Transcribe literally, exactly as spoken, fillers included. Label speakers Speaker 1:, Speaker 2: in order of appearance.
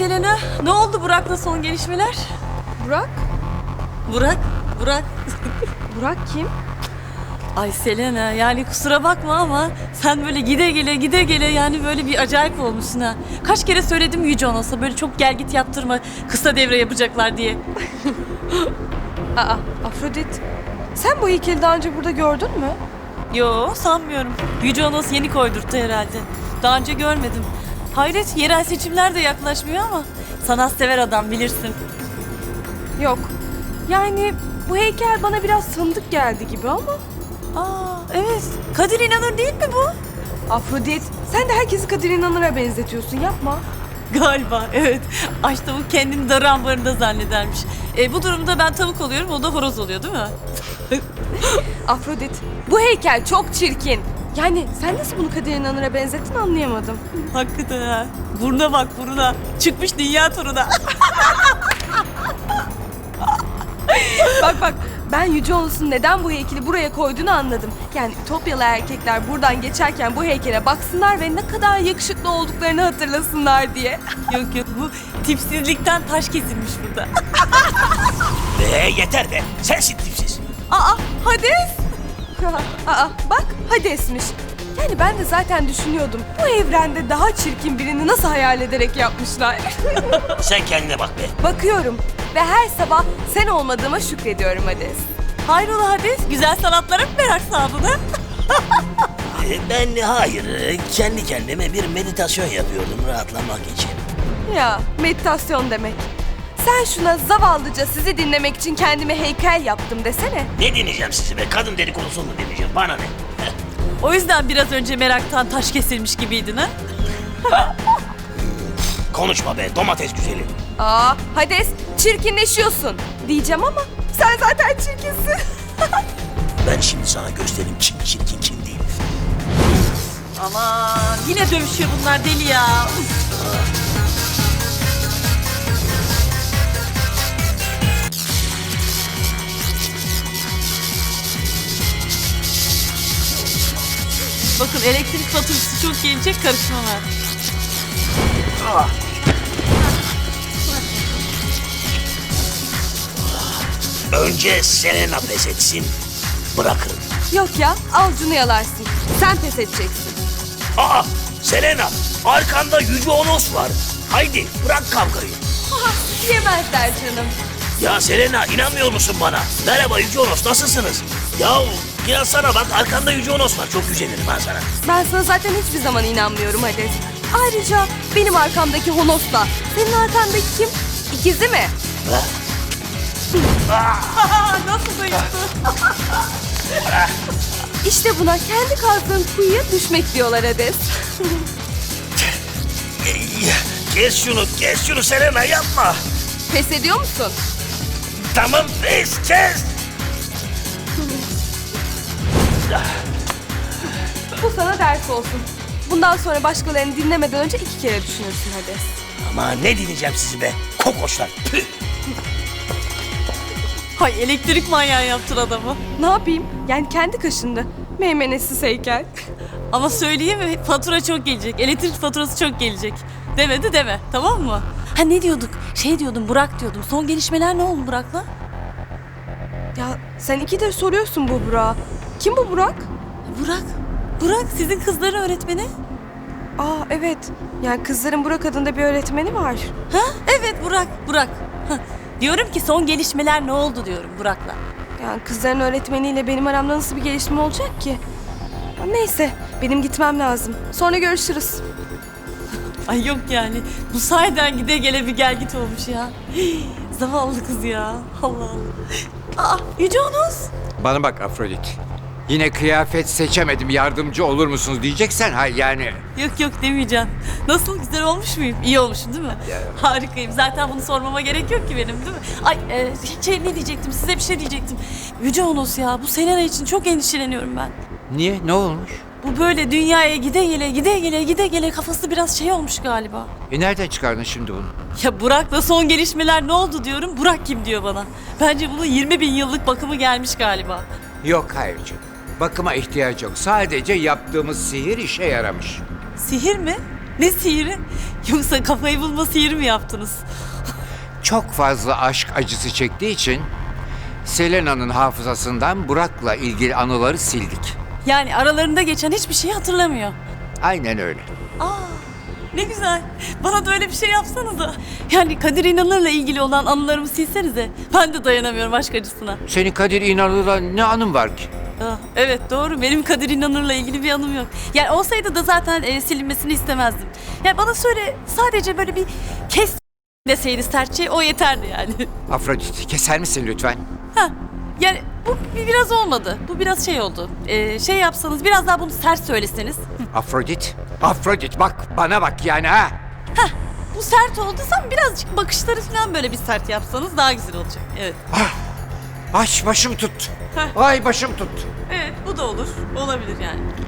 Speaker 1: Selena, ne oldu Burak'la son gelişmeler?
Speaker 2: Burak?
Speaker 1: Burak, Burak.
Speaker 2: Burak kim?
Speaker 1: Ay Selena, yani kusura bakma ama sen böyle gide gele gide gele yani böyle bir acayip olmuşsun ha. Kaç kere söyledim Yüce Onos'a böyle çok gel git yaptırma, kısa devre yapacaklar diye.
Speaker 2: Aa, Afrodit. Sen bu heykeli daha önce burada gördün mü?
Speaker 1: Yo, sanmıyorum. Yüce Onos yeni koydurttu herhalde. Daha önce görmedim. Hayret, yerel seçimler de yaklaşmıyor ama sanatsever adam bilirsin.
Speaker 2: Yok. Yani bu heykel bana biraz tanıdık geldi gibi ama.
Speaker 1: Aa, evet. Kadir İnanır değil mi bu?
Speaker 2: Afrodit, sen de herkesi Kadir İnanır'a benzetiyorsun, yapma.
Speaker 1: Galiba, evet. Aç tavuk kendini darı ambarında zannedermiş. E, bu durumda ben tavuk oluyorum, o da horoz oluyor değil mi?
Speaker 2: Afrodit, bu heykel çok çirkin. Yani sen nasıl bunu Kadir İnanır'a benzettin anlayamadım.
Speaker 1: Hakikaten ha. Buruna bak buruna. Çıkmış dünya turuna.
Speaker 2: Bak bak, ben Yüce Onos'un neden bu heykeli buraya koyduğunu anladım. Yani Ütopyalı erkekler buradan geçerken bu heykele baksınlar ve ne kadar yakışıklı olduklarını hatırlasınlar diye.
Speaker 1: Yok yok, bu tipsizlikten taş kesilmiş burada.
Speaker 3: Be yeter be. Sensin tipsiz.
Speaker 2: Aa, Hades! Aa, bak Hades'miş. Yani ben de zaten düşünüyordum. Bu evrende daha çirkin birini nasıl hayal ederek yapmışlar.
Speaker 3: Sen kendine bak be.
Speaker 2: Bakıyorum ve her sabah sen olmadığıma şükrediyorum Hades.
Speaker 1: Hayrola Hades, güzel sanatlara mı merak saldın ha?
Speaker 3: Ee, Ben hayır. Kendi kendime bir meditasyon yapıyordum rahatlamak için.
Speaker 2: Ya meditasyon demek. Sen şuna zavallıca sizi dinlemek için kendime heykel yaptım desene.
Speaker 3: Ne dinleyeceğim sizi be? Kadın dedikodusunu mu dinleyeceğim? Bana ne?
Speaker 1: O yüzden biraz önce meraktan taş kesilmiş gibiydin ha?
Speaker 3: Konuşma be domates güzeli.
Speaker 2: Aa, Hades çirkinleşiyorsun diyeceğim ama sen zaten çirkinsin.
Speaker 3: Ben şimdi sana göstereyim kim çirkin kim değil.
Speaker 1: Aman yine dövüşüyor bunlar deli ya. Bakın elektrik faturası çok gelecek, karışma var.
Speaker 3: Önce Selena pes etsin. Bırakırım.
Speaker 2: Yok ya, avucunu yalarsın. Sen pes edeceksin.
Speaker 3: Aa Selena arkanda Yüce Onos var. Haydi bırak kavgayı.
Speaker 2: Aha, yemezler canım.
Speaker 3: Ya Selena inanmıyor musun bana? Merhaba Yüce Onos nasılsınız? Ya inansana bak arkanda Yüce Onos var. Çok güzelirim ben sana.
Speaker 2: Ben sana zaten hiçbir zaman inanmıyorum Hades. Ayrıca benim arkamdaki Honos'la senin arkandaki kim? İkizi mi?
Speaker 3: Ha?
Speaker 1: Nasıl duyuyorsun?
Speaker 2: İşte buna kendi kazdığın kuyuya düşmek diyorlar Hades.
Speaker 3: Kes şunu kes şunu Selena yapma.
Speaker 2: Pes ediyor musun?
Speaker 3: Tamam kes kes.
Speaker 2: Bu sana ders olsun. Bundan sonra başkalarını dinlemeden önce iki kere düşünürsün Hades.
Speaker 3: Ama ne dinleyeceğim sizi be kokoşlar. Püh.
Speaker 1: Hay elektrik manyağı yaptın adamı.
Speaker 2: Ne yapayım? Yani kendi kaşındı. Meymenetsiz heykel.
Speaker 1: Ama söyleyeyim mi? Fatura çok gelecek. Elektrik faturası çok gelecek. Demedi deme. Tamam mı? Ha ne diyorduk? Şey diyordum, Burak diyordum. Son gelişmeler ne oldu Burak'la?
Speaker 2: Ya sen ikidir soruyorsun bu Burak'a. Kim bu Burak?
Speaker 1: Burak. Burak sizin kızların öğretmeni.
Speaker 2: Aa evet. Yani kızların Burak adında bir öğretmeni var.
Speaker 1: Ha? Evet Burak. Burak. Hah. Diyorum ki son gelişmeler ne oldu diyorum Burak'la.
Speaker 2: Yani kızların öğretmeniyle benim aramda nasıl bir gelişme olacak ki? Ya neyse benim gitmem lazım. Sonra görüşürüz.
Speaker 1: Ay yok yani. Bu sayeden gide gele bir gel git olmuş ya. Hii, zavallı kız ya. Allah Allah. Aa Yüce Onos.
Speaker 4: Bana bak Afrodit. Yine kıyafet seçemedim yardımcı olur musunuz diyeceksen ha yani.
Speaker 1: Yok yok demeyeceğim. Nasıl, güzel olmuş muyum? İyi olmuşum değil mi? Harikayım. Zaten bunu sormama gerek yok ki benim değil mi? Ay e, şey ne diyecektim, size bir şey diyecektim. Yüce Onos ya, bu Selena için çok endişeleniyorum ben.
Speaker 4: Niye, ne olmuş?
Speaker 1: Bu böyle dünyaya gide gele gide gele gide gele kafası biraz şey olmuş galiba.
Speaker 4: E nereden çıkardın şimdi bunu?
Speaker 1: Ya Burak'la son gelişmeler ne oldu diyorum. Burak kim diyor bana. Bence bunun yirmi bin yıllık bakımı gelmiş galiba.
Speaker 4: Yok hayırcığım. Bakıma ihtiyaç yok. Sadece yaptığımız sihir işe yaramış.
Speaker 1: Sihir mi? Ne sihiri? Yoksa kafayı bulma sihiri mi yaptınız?
Speaker 4: Çok fazla aşk acısı çektiği için Selena'nın hafızasından Burak'la ilgili anıları sildik.
Speaker 1: Yani aralarında geçen hiçbir şeyi hatırlamıyor.
Speaker 4: Aynen öyle.
Speaker 1: Aa, ne güzel. Bana da öyle bir şey yapsanıza. Yani Kadir İnanır'la ilgili olan anılarımı silsenize. Ben de dayanamıyorum aşk acısına.
Speaker 4: Senin Kadir İnanır'la ne anın var ki?
Speaker 1: Ah, evet doğru. Benim Kadir İnanır'la ilgili bir anım yok. Yani olsaydı da zaten e, silinmesini istemezdim. Yani bana söyle sadece böyle bir kes deseydi sertçe o yeterdi yani.
Speaker 4: Afrodit, keser misin lütfen?
Speaker 1: Ha, yani bu bir- biraz olmadı. Bu biraz şey oldu. Ee, şey yapsanız biraz daha bunu sert söyleseniz. Hı,
Speaker 4: Afrodit, Afrodit bak bana bak yani ha.
Speaker 1: bu sert olduysa birazcık bakışları falan böyle bir sert yapsanız daha güzel olacak. Evet.
Speaker 4: Ay başım tut.
Speaker 1: Heh.
Speaker 4: Ay başım tut.
Speaker 1: Evet bu da olur. Olabilir yani.